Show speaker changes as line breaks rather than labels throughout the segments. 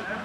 นะ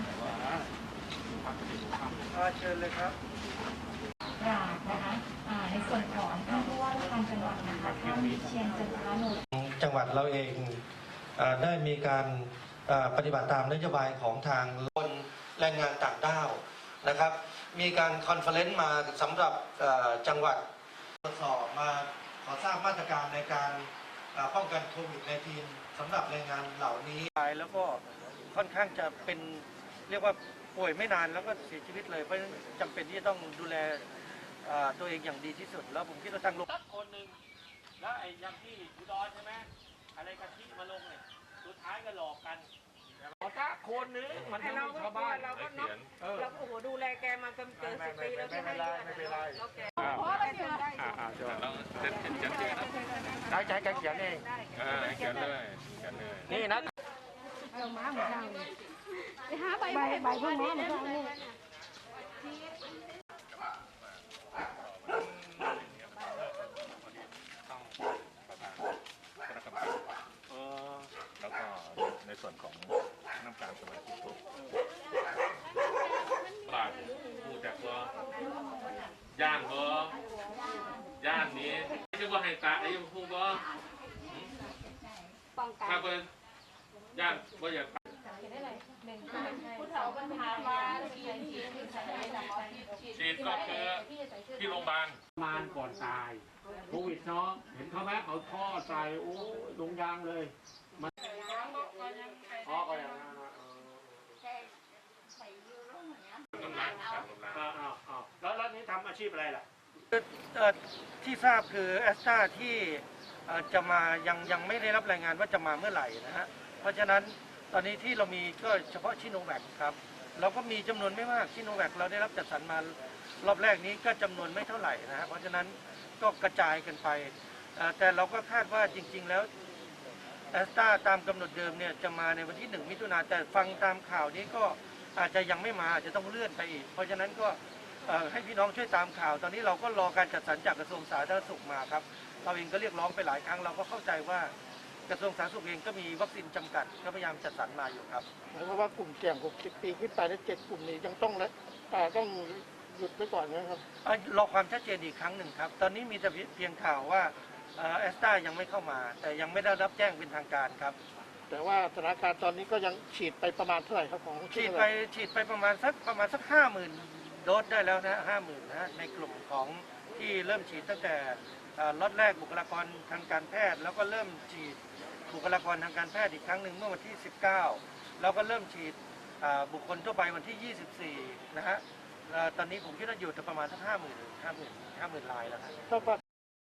เชิญเลยครับ
นะคะในส่วนของท่านผู้ว่าราชการจังหวัดนะคะท่านวิเชียรจันทรโนช
จังหวัดเราเองได้มีการปฏิบัติตามนโยบายของทางคนแรงงานต่างด้าวนะครับมีการคอนเฟอเรนซ์มาสำหรับจังหวัดตรวจสอบมาขอทราบมาตรการในการป้องกันโควิด -19 สำหรับแรงงานเหล่านี้
แล้วก็ค่อนข้างจะเป็นเรียกว่าป่วยไม่นานแล้วก็เสียชีวิตเลยเพราะฉะนั้นจำเป็นที่จะต้องดูแลตัวเองอย่างดีที่สุดแล้วผมคิดว่าทางโรง
สักคนหนึ่งแล้วไอ้ยังที่อุดรใช่ไหมอะไรกะทิมาลงเนี่ยสุดท้ายก็หลอกกันขอสักคนนึงมันไม่มีชาวบ้าน
เราก็น็อกเราโอ้โหดูแลแกมาเกิน10 ปีแล้วใช่ไหมไม่เป็นไรแล้วแกเพราะเราเขียนได้
เราเซ็นเขียน
ได้ใจแกเขียนเอง
เขียนเลย
นี่นะ
เรามาเหมือนกันไปหาใบพวกนี้เหมือนกันนี่
แล้วก็ในส่วนของน้ำตาลสมาชิกบาทผู้จักว่าย่านบ่ย่านนี้จะว่าให้ตาไอ้ผู้บ่ถ้าเป็นย่านบ่อยากฉีดก็คือที่โรงพยาบาลก่อนตายโควิดเนาะเห็นเขาไหมเอาท่อใส่โอ้ลงยางเลยมันอ๋อก็อย่างนั้นแล้วนี้ทำอาชีพอะไรล่ะ
ที่ทราบคือแอสตราที่จะมายังไม่ได้รับรายงานว่าจะมาเมื่อไหร่นะฮะเพราะฉะนั้นตอนนี้ที่เรามีก็เฉพาะชิโนแวคครับเราก็มีจำนวนไม่มากชิโนแวคเราได้รับจัดสรรมารอบแรกนี้ก็จำนวนไม่เท่าไหร่นะฮะเพราะฉะนั้นก็กระจายกันไปแต่เราก็คาดว่าจริงๆแล้วแอสตราตามกำหนดเดิมเนี่ยจะมาในวันที่1 มิถุนายนแต่ฟังตามข่าวนี้ก็อาจจะยังไม่มาอาจจะต้องเลื่อนไปอีกเพราะฉะนั้นก็ให้พี่น้องช่วยตามข่าวตอนนี้เราก็รอการจัดสรรจากกระทรวงสาธารณสุขมาครับเราเองก็เรียกร้องไปหลายครั้งเราก็เข้าใจว่ากระทรวงสาธารณสุขเองก็มีวัคซีนจำกัดก็พยายามจัดสรรมาอยู่ครับ
หมายความว่ากลุ่มเสี่ยง60 ปีขึ้นไปและ7 กลุ่มนี้ยังต้องหยุดไว้ก่อนนะครับ
รอความชัดเจนอีกครั้งหนึ่งครับตอนนี้มีแต่เพียงข่าวว่าแอสตรายังไม่เข้ามาแต่ยังไม่ได้รับแจ้งเป็นทางการครับ
แต่ว่าสถานการณ์ตอนนี้ก็ยังฉีดไปประมาณเท่าไหร่ครับของ
ฉีดไปประมาณสัก50,000 โดสได้แล้วนะ50,000นะในกลุ่มของที่เริ่มฉีดตั้งแต่ล็อตแรกบุคลากรทางการแพทย์แล้วก็เริ่มฉีดบุคลากรทางการแพทย์อีกครั้งหนึ่งเมื่อวันที่19แล้วก็เริ่มฉีดบุคคลทั่วไปวันที่24นะฮะตอนนี้ผมคิดว่าอยู่ประมาณสัก50,000 รายแล้วครับ